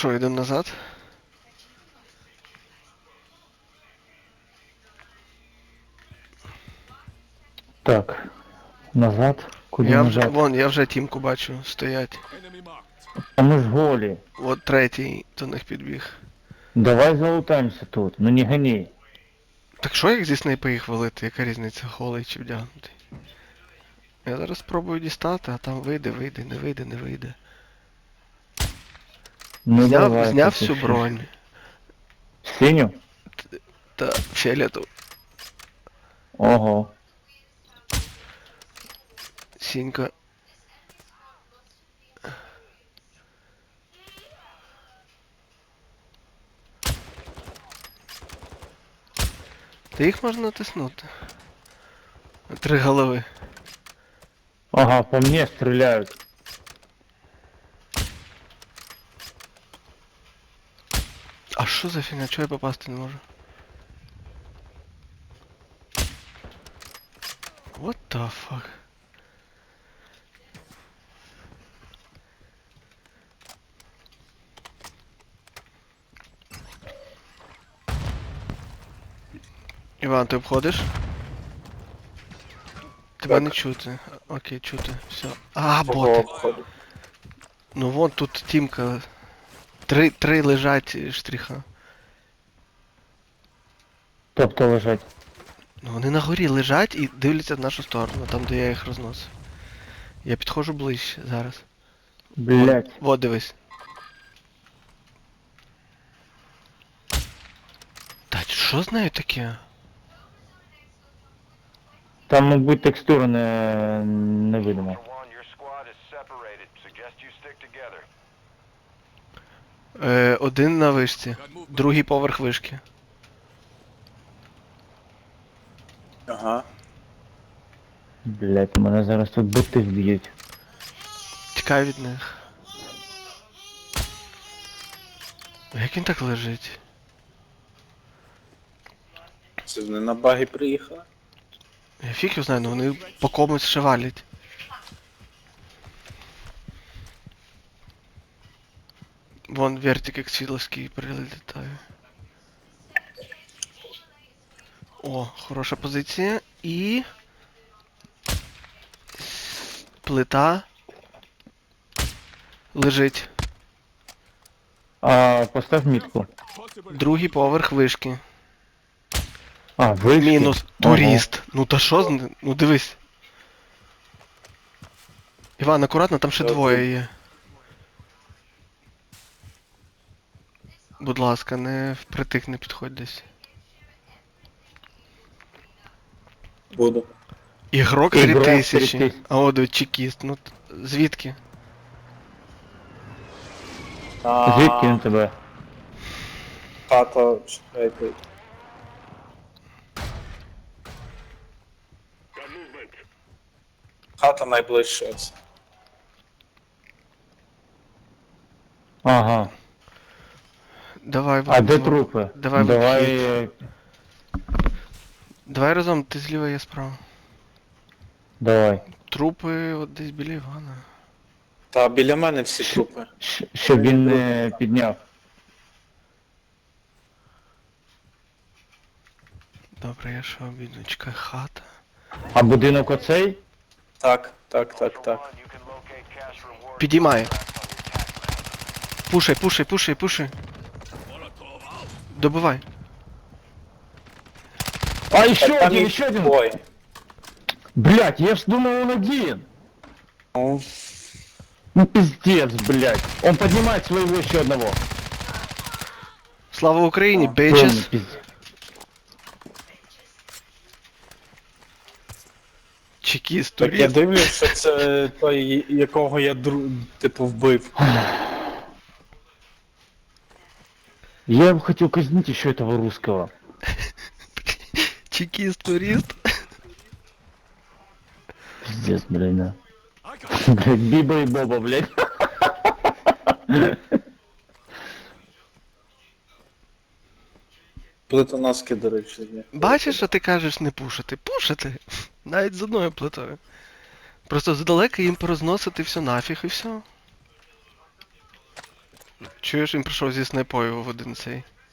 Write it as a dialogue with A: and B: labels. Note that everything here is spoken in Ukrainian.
A: Що, йдемо назад?
B: Так. Назад. Куди назад?
A: Вон, я вже тімку бачу, стоять.
B: А ми ж голі.
A: От третій до них підбіг.
B: Давай залутаємося тут. Ну не гони.
A: Так що як зі снайпи їх валити? Яка різниця, голий чи вдягнутий? Я зараз спробую дістати, а там вийде, не вийде, не вийде.
B: Ну давай.
A: Зняв
B: поки
A: всю
B: що.
A: бронь.
B: Синю?
A: Та фіолетову.
B: Ого.
A: Сінька. Та їх можна натиснути. 3 голови.
B: Ага, по мне стреляют.
A: А що за фігня? Чого я попасти не можу? What the fuck? Іван, ти обходиш? Тебе не чути. Окей, чути. Все. А, боти. Ну вон тут тімка. Три лежать штріха.
B: Тобто лежать.
A: Ну вони на горі лежать і дивляться в нашу сторону, там де я їх розносив. Я підходжу ближче зараз.
B: Блять.
A: Вот дивись. Та що з нею таке?
B: Там, мабуть, текстура не видимо.
C: One, your squad is separated. Suggest you stick together.
A: Один на вишці, другий поверх вишки.
D: Ага.
B: Блять, мене зараз тут боти вб'ють.
A: Тікай від них. Як він так лежить?
D: Це вони на баги приїхали?
A: Я фіг його знаю, але вони по комусь шевалять. Вон вертик як світловський прилітає. О, хороша позиція. І... плита лежить.
B: А, постав мітку.
A: Другий поверх вишки.
B: А, вишки.
A: Мінус. Турист. Ну та що з ним? Ну дивись. Іван, акуратно, там ще двоє є. Будь ласка, не впритик не підходь десь.
D: Буду.
A: Ігрок
B: Ігрок
A: 3000.
B: 3000.
A: А от от чекіст. Ну звідки?
B: Звідки він тебе?
D: Хата, чекайте. Хата найближча.
B: Ага.
A: Давай,
B: А
A: Ван,
B: де
A: зло-
B: трупи?
A: Давай,
B: Давай.
A: вихід. Давай разом, ти зліва, я справа.
B: Давай.
A: Трупи от десь біля Івана.
D: Та біля мене всі трупи.
B: Щоб він не підняв.
A: Добре, я що обійду, чекай, хата.
B: А будинок оцей?
D: Так.
C: One, you can locate cash rewards.
A: Підіймай. Пушай. Добивай.
B: А, еще
D: Там
B: один,
D: їх
B: еще один!
D: двоє.
B: Блять, я ж думал он один!
D: Ну,
B: Ну пиздец, блять. Он поднимает своего еще одного.
A: Слава Україні,
B: Полный
A: bitches.
B: пиздец.
A: Чекіст,
D: так я
A: турист.
D: дивлюсь, що це той, якого я типу вбив.
B: Я бы хотел казнить еще этого русского.
A: Чекіст, турист.
B: Пиздец, блядь, да. Блядь, Биба и Боба, блядь.
D: Плитоноски, до речі, є.
A: Бачиш, що ти кажеш не пушити? Пушити. Навіть з одною плитою. Просто здалека їм порозносити все нафіг і все. Чуєш, він прийшов зі снайпою в один цей.